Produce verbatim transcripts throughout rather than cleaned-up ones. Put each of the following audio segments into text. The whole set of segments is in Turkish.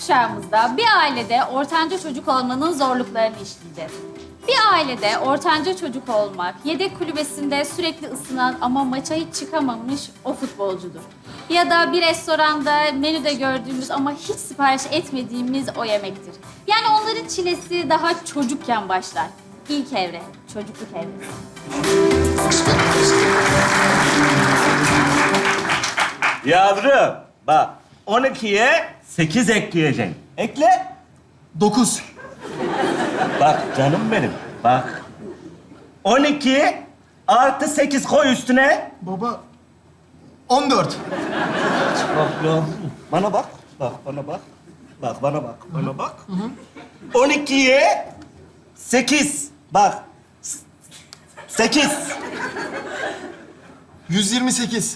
kuşağımızda bir ailede ortanca çocuk olmanın zorluklarını işleyeceğiz. Bir ailede ortanca çocuk olmak, yedek kulübesinde sürekli ısınan ama maça hiç çıkamamış o futbolcudur. Ya da bir restoranda menüde gördüğümüz ama hiç sipariş etmediğimiz o yemektir. Yani onların çilesi daha çocukken başlar. İlk evre, çocukluk evresi. Yavrum, bak on ikiye sekiz ekleyeceksin. Ekle. Dokuz. Bak canım benim, bak. on iki artı sekiz koy üstüne. Baba. On dört. Bak ya, bana bak. Bak bana bak. Bak bana bak, bana bak. on ikiye sekiz. Bak. S- sekiz. Yüz yirmi sekiz.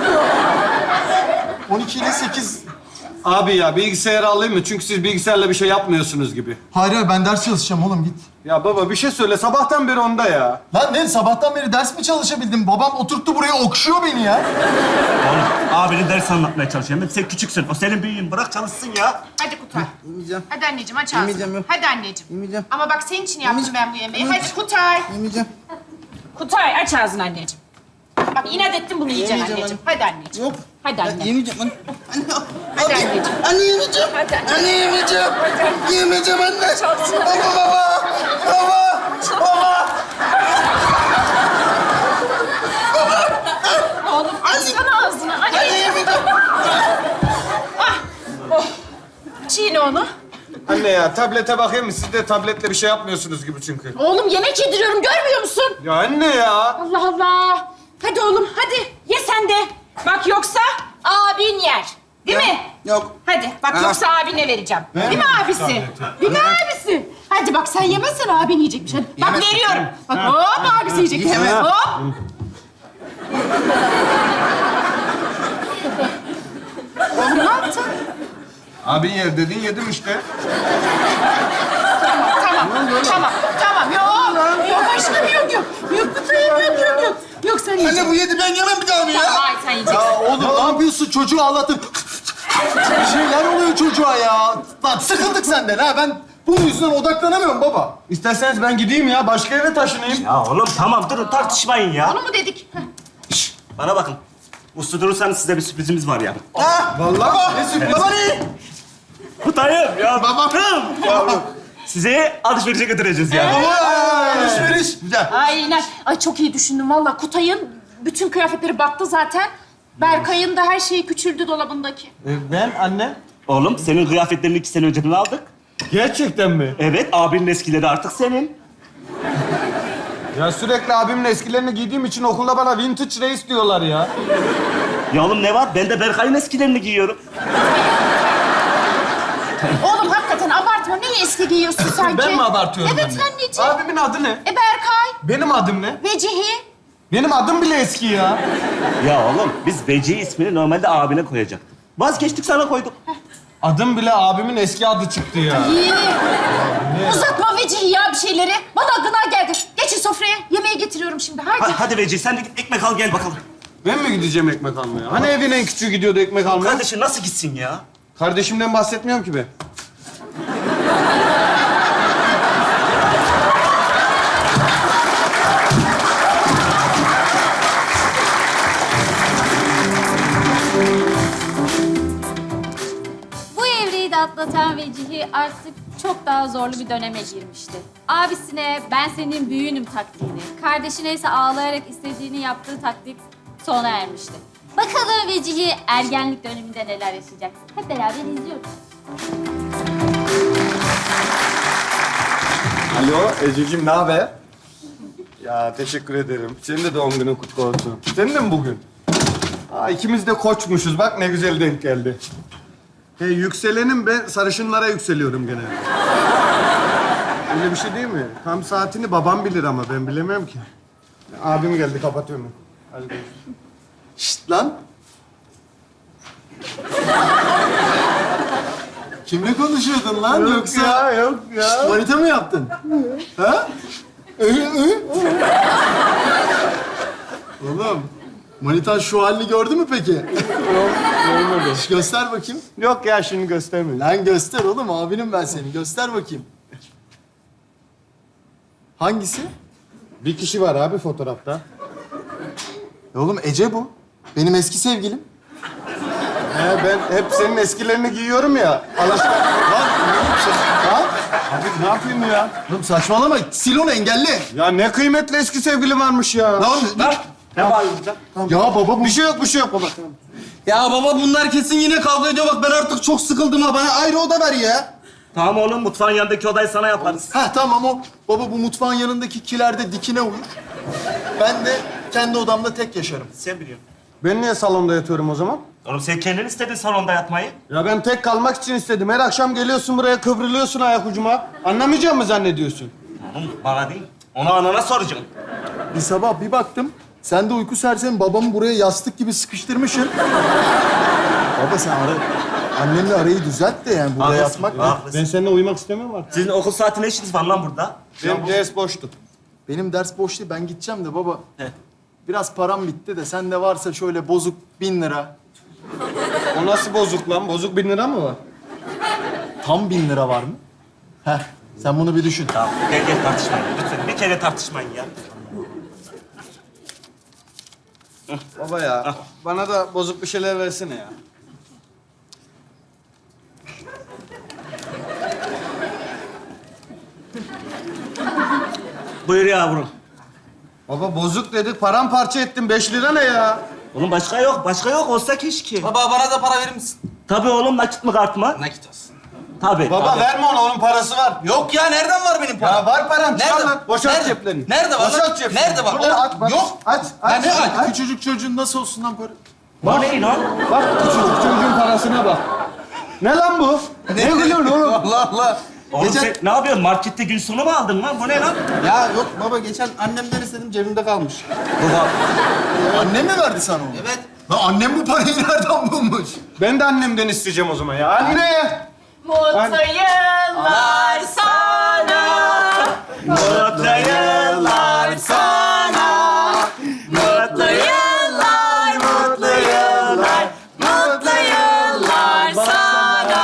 On iki ile sekiz. Abi ya bilgisayarı alayım mı? Çünkü siz bilgisayarla bir şey yapmıyorsunuz gibi. Hayır hayır ben ders çalışacağım oğlum git. Ya baba bir şey söyle. Sabahtan beri onda ya. Lan ne sabahtan beri ders mi çalışabildim? Babam oturttu buraya okşuyor beni ya. Oğlum, abinin ders anlatmaya çalışıyorum. Sen küçüksün, o senin büyüğün. Bırak çalışsın ya. Hadi Kutay. Yemeyeceğim. Hadi anneciğim aç ağzını. Yemeyeceğim, yok. Hadi anneciğim. Yemeyeceğim. Ama bak senin için yaptım Yemeyeceğim. ben bu yemeği. Yemeyeceğim. Hadi Kutay. Yemeyeceğim. Kutay aç ağzını anneciğim. Bak inat ettin bunu yiyeceksin Yemeyeceğim anneciğim. Hadi anneciğim. Yok. Hadi Ben anne. yemeyeceğim anne. Anne. Hadi Abi, anneciğim. Anne yemeyeceğim. Hadi anne. Anne yemeyeceğim. Hadi. Yemeyeceğim anne. Çalsın. Baba baba. Baba. Baba. Oğlum açsana ağzını. Anne. Anne yemeyeceğim. Çiğne onu. Anne ya tablete bakayım mı? Siz de tabletle bir şey yapmıyorsunuz gibi çünkü. Oğlum yemek yediriyorum görmüyor musun? Ya anne ya. Allah Allah. Hadi oğlum hadi ye sen de. Bak yoksa abin yer. Değil mi? Yok. Hadi bak Ha. yoksa abine vereceğim. Değil mi abisi? Değil mi abisi? Hadi bak sen yemezsen abin yiyecekmiş. Hadi. Bak Yemez. veriyorum. Bak hop abisi yiyecek. Yemem. Hop. Oğlum ne yaptın? Abin yer dedin yedim işte. Tamam, tamam, tamam. Yok, yok aşkım yok, yok. Yok Kutay'ım yok, yok, yok. Yok sen yiyeceksin. Anne bu yedi ben yemem bir daha onu ya. Tamam, hayır sen yiyeceksin. Ya oğlum ne yapıyorsun? Çocuğu ağlatın. Bir şeyler oluyor çocuğa ya. Lan sıkıldık senden ha. Ben bunun yüzünden odaklanamıyorum baba. İsterseniz ben gideyim ya. Başka eve taşınayım. Ya oğlum tamam, durun tartışmayın ya. Onu mu dedik? Heh. Şşş, bana bakın. Uslu durursanız size bir sürprizimiz var ya. Ha? Vallahi. Ne sürpriz? Baba ne? Kutayım ya. Babam. Yavrum. Sizi alışverişe götüreceğiz ya. Baba alışveriş. Güzel. Aynen. Ay çok iyi düşündüm vallahi. Kutay'ın bütün kıyafetleri battı zaten. Berkay'ın da her şeyi küçüldü dolabındaki. E, ben anne. Oğlum senin kıyafetlerini iki sene önceden aldık. Gerçekten mi? Evet, abinin eskileri artık senin. Ya sürekli abimin eskilerini giydiğim için okulda bana vintage reis diyorlar ya. Ya oğlum ne var? Ben de Berkay'ın eskilerini giyiyorum. Oğlum hakikaten abartma. Neyi eski giyiyorsun sanki? Ben mi abartıyorum Evet anne? anneciğim. Abimin adı ne? E Berkay, Benim adım ne? Vecihi. Benim adım bile eski ya. Ya oğlum biz Veci ismini normalde abine koyacaktık. Vazgeçtik, sana koyduk. Adım bile abimin eski adı çıktı ya. İyi. Uzatma Vecihi ya bir şeyleri. Bana gına geldi. Geçin sofraya. Yemeği getiriyorum şimdi. Hadi. Ha, hadi Veci sen de git ekmek al gel bakalım. Ben mi gideceğim ekmek almaya? Hani evin en küçüğü gidiyordu ekmek almaya? Kardeşim nasıl gitsin ya? Kardeşimden bahsetmiyorum ki ben. Bu evreyi de atlatan Vecihi artık çok daha zorlu bir döneme girmişti. Abisine ben senin büyüğünüm taktiğini, kardeşine ise ağlayarak istediğini yaptığı taktik sona ermişti. Bakalım Vecihi ergenlik döneminde neler yaşayacak? Hep beraber izliyoruz. Alo Ececiğim, ne haber? Ya teşekkür ederim. Senin de doğum günün kutlu olsun. Senin de mi bugün? Aa, ikimiz de koçmuşuz. Bak ne güzel denk geldi. Hey, yükselenim ben sarışınlara yükseliyorum genelde. Öyle bir şey değil mi? Tam saatini babam bilir ama ben bilemem ki. Abim geldi, kapatıyorum. Hadi görüşürüz. Şşt lan. Kimle konuşuyordun lan Yok yoksa? ya, yok ya. Manita mı yaptın? Ha? Ö, ö. Oğlum, manitan şu halini gördü mü peki? Şş, göster bakayım. Yok ya şimdi göstermeyin. Lan göster oğlum, abinim ben seni. Göster bakayım. Hangisi? Bir kişi var abi fotoğrafta. E oğlum Ece bu. Benim eski sevgilim. He, ben hep senin eskilerini giyiyorum ya. Alışkan. Lan oğlum sen... Lan. Abi ne yapayım ya? Oğlum saçmalama. Sil onu, engelli. Ya ne kıymetli eski sevgilim varmış ya. Lan, lan. Ne bağırıyorsun? Ya baba bu... Bir şey yok, bir şey yok baba. Ya baba bunlar kesin yine kavga ediyor. Bak ben artık çok sıkıldım ha. Bana ayrı oda ver ya. Tamam oğlum, mutfağın yanındaki odayı sana yaparız. Ha tamam o. Baba bu mutfağın yanındaki kilerde dikine uyur. Ben de kendi odamda tek yaşarım. Sen biliyorsun. Ben niye salonda yatıyorum o zaman? Oğlum sen kendin istedin salonda yatmayı. Ya ben tek kalmak için istedim. Her akşam geliyorsun buraya kıvrılıyorsun ayak ucuma. Anlamayacağım mı zannediyorsun? Oğlum bana değil, onu anana soracağım. Bir sabah bir baktım. Sen de uyku sersemi babamı buraya yastık gibi sıkıştırmışsın. Baba sen ara... Annenle arayı düzelt de yani burada Haklısın, yatmak ne? haklısın. Ben seninle uyumak istemiyorum artık. Sizin okul saati ne işiniz var lan burada? Benim ders boştu. Benim ders boş değil, ben gideceğim de baba. He. Biraz param bitti de sende varsa şöyle bozuk bin lira. O nasıl bozuk lan? Bozuk bin lira mı var? Tam bin lira var mı? Heh, sen bunu bir düşün. Tamam, gel gel tartışmayın. Lütfen bir kere tartışmayın ya. Baba ya, bana da bozuk bir şeyler versene ya. Buyur yavrum. Baba bozuk dedik, paramparça ettin. Beş lira ne ya? Oğlum başka yok, başka yok. Olsa keşke. Baba bana da para verir misin? Tabii oğlum, nakit mi kart mı? Nakit olsun. Tabii. Baba tabii. verme ona, onun parası var. Yok ya nereden var benim param? Ya var param, çıkar Nerede? lan. Boşalt Nerede? ceplerini. Nerede var Boşalt lan? ceplerini. Nerede var? Burada Oğlum, aç, bak. yok. Aç, aç. Ya ne aç? Küçücük çocuğun nasıl olsun lan para? Bu ne lan? Bak küçücük çocuğun parasına bak. Ne lan bu? Ne, gülüyorsun oğlum? Allah Allah. Oğlum Geçen- sen ne yapıyorsun? Markette gün sonu mu aldın lan? Bu ne lan? Ya yok baba geçen annemden istedim cebimde kalmış. Annem mi verdi sana onu? Evet. Lan annem bu parayı nereden bulmuş? Ben de annemden isteyeceğim o zaman ya. Anne! Mutlu yıllar sana. Mutlu yıllar sana. Mutlu Yıllar, mutlu yıllar. mutlu yıllar sana.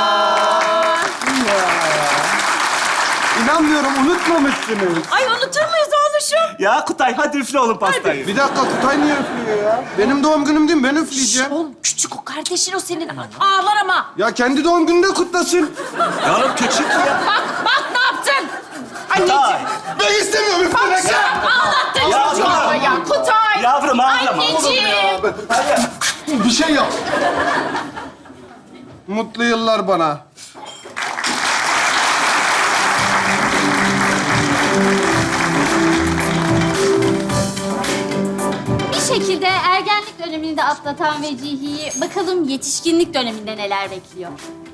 İnanmıyorum, unutmamışsınız. Ay unutur muyuz oğluşum? Ya Kutay, hadi üfle oğlum pastayı. Bir dakika, Kutay niye üflüyor ya? Benim doğum günüm değil mi? Ben üfleyeceğim. Oğlum küçük o kardeşin o senin. Ağlar ama. Ya kendi doğum gününde kutlasın. Ya oğlum küçük ya. Bak bak ne yaptın? Anneciğim. Kutay. Ben istemiyorum üflemek ya. Ağlattın Ya çocuğu ama bırak. ya. Kutay. Yavrum ağlama. Anneciğim. Bir şey yap. Mutlu yıllar bana. Bir şekilde ergenlik dönemini de atlatan Vecihi'yi bakalım yetişkinlik döneminde neler bekliyor.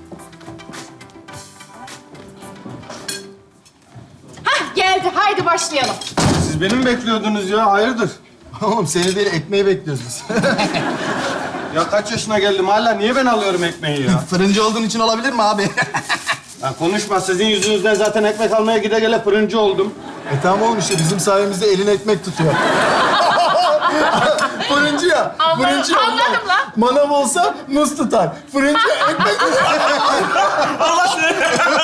Hah geldi. Haydi başlayalım. Siz beni mi bekliyordunuz ya? Hayırdır? Oğlum seni değil, ekmeği bekliyoruz biz. Ya kaç yaşına geldim hala niye ben alıyorum ekmeği ya? Fırıncı olduğun için olabilir mi abi? Ya konuşma, sizin yüzünüzden zaten ekmek almaya gide gele fırıncı oldum. E tamam oğlum işte bizim sayemizde elin ekmek tutuyor. Fırıncı ya. Anladım, Fırıncı ya. anladım lan. Manav olsa muz tutar. Fırıncı ekmek Allah seni.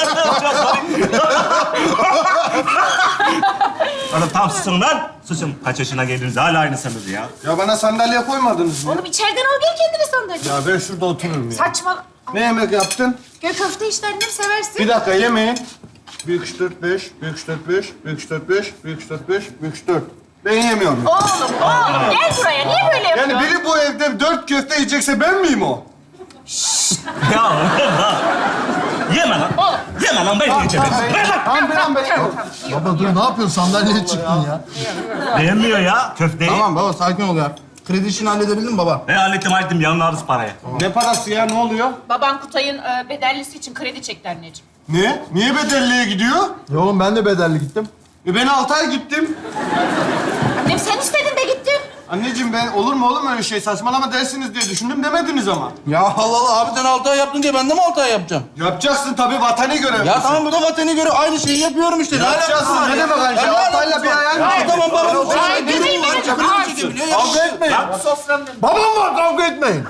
Oğlum tamam susun lan. Susun. Kaç yaşına geldiniz hala aynısınız ya. Ya bana sandalye koymadınız mı? Oğlum içeriden al gel kendine sandalye. Ya ben şurada otururum ya. Saçma. Ne yemek yaptın? Göl köfte işte annem seversin. Bir dakika yemeyin. Büyük üç dört beş, büyük üç dört beş, büyük üç dört beş, büyük üç dört beş, büyük üç dört. Ben yemiyorum. Oğlum, oğlum gel buraya. Niye böyle yapıyorsun? Yani biri bu evde dört köfte yiyecekse ben miyim o? Ya oğlum bak. Yeme lan. Yeme lan, ben yiyeceğim. Ver lan. Tamam ben ben. Baba dur ne yapıyorsun? Sandalyeye çıktın ya. Beğenmiyor ya köfteyi. Tamam baba sakin ol ya. Kredi işini halledebildin mi baba? Ben hallettim hallettim. Yanına alırız parayı. Ne parası ya, ne oluyor? Baban Kutay'ın e, bedellisi için kredi çekti anneciğim. Ne? Niye bedelliye gidiyor? Ya oğlum ben de bedelli gittim. E ben altı ay gittim. Annem sen istedin de gittin. Anneciğim ben olur mu oğlum öyle şey, saçmalama dersiniz diye düşündüm demediniz ama. Ya Allah Allah abi sen altı ay yaptın diye ben de mi altı ay yapacağım? Yapacaksın tabii, vatani görev. Ya tamam bu da vatana göre aynı şeyi yapıyorum işte. Ne Yapacaksın, alakası var ne ya? demek aynı şey? Ya ne Altı ayla alakası bir var? ayağın Ya gidiyor. tamam baba. Ay, Benim benim, var, benim. kredi Ay, çekebiliyor, Kavga yapıyor. etmeyin. Ya Bak soframda. Babam var, kavga etmeyin.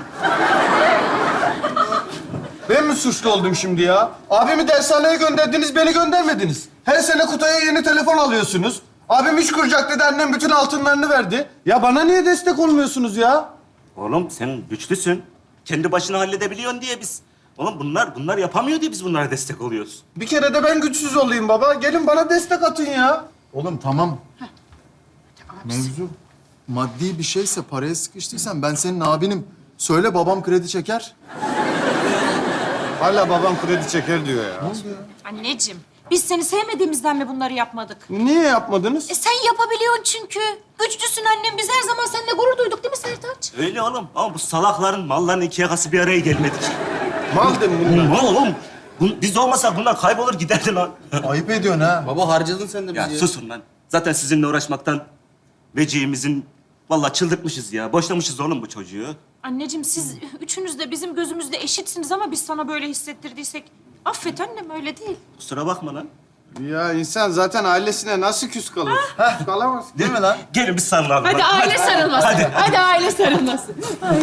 Ben mi suçlu oldum şimdi ya? Abimi dershaneye gönderdiniz, beni göndermediniz. Her sene Kutay'a yeni telefon alıyorsunuz. Abim iş kuracak dedi, annem bütün altınlarını verdi. Ya bana niye destek olmuyorsunuz ya? Oğlum sen güçlüsün. Kendi başına halledebiliyorsun diye biz... Oğlum bunlar bunlar yapamıyor diye biz bunlara destek oluyoruz. Bir kere de ben güçsüz olayım baba. Gelin bana destek atın ya. Oğlum tamam. Mevzu maddi bir şeyse, paraya sıkıştıysan ben senin abinim. Söyle babam kredi çeker. Hala babam kredi çeker diyor ya. Anneciğim, biz seni sevmediğimizden mi bunları yapmadık? Niye yapmadınız? E sen yapabiliyorsun çünkü. Güçlüsün annem. Biz her zaman seninle gurur duyduk değil mi Sertaç? Öyle oğlum. Ama bu salakların, malların iki yakası bir araya gelmedi ki. Mal değil mi bunlar? Mal oğlum. Bu- Biz olmasak bunlar kaybolur giderdi lan. Ayıp ediyorsun ha. Baba harcadın sen de bizi Ya ya. susun lan. Zaten sizinle uğraşmaktan veciğimizin... Vallahi çıldırtmışız ya. Boşlamışız oğlum bu çocuğu. Anneciğim siz üçünüz de bizim gözümüzde eşitsiniz ama biz sana böyle hissettirdiysek... Affet annem, öyle değil. Kusura bakma lan. Ya insan zaten ailesine nasıl küs kalır? Küs kalamaz. Değil mi lan? Gelin biz sarılalım. Hadi lan. aile sarılması. Hadi. Hadi aile sarılması.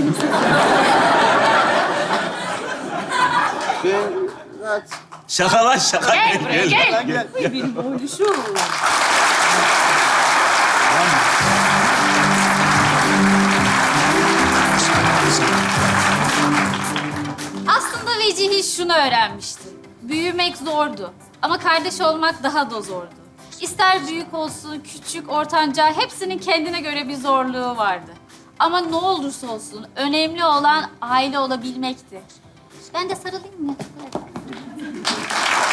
Ben... Şaka lan şaka. Gel buraya, gel. gel. Ay benim oğluşum. Aslında Vecihi şunu öğrenmişti. Büyümek zordu ama kardeş olmak daha da zordu. İster büyük olsun, küçük, ortanca hepsinin kendine göre bir zorluğu vardı. Ama ne olursa olsun önemli olan aile olabilmekti. Ben de sarılayım mı?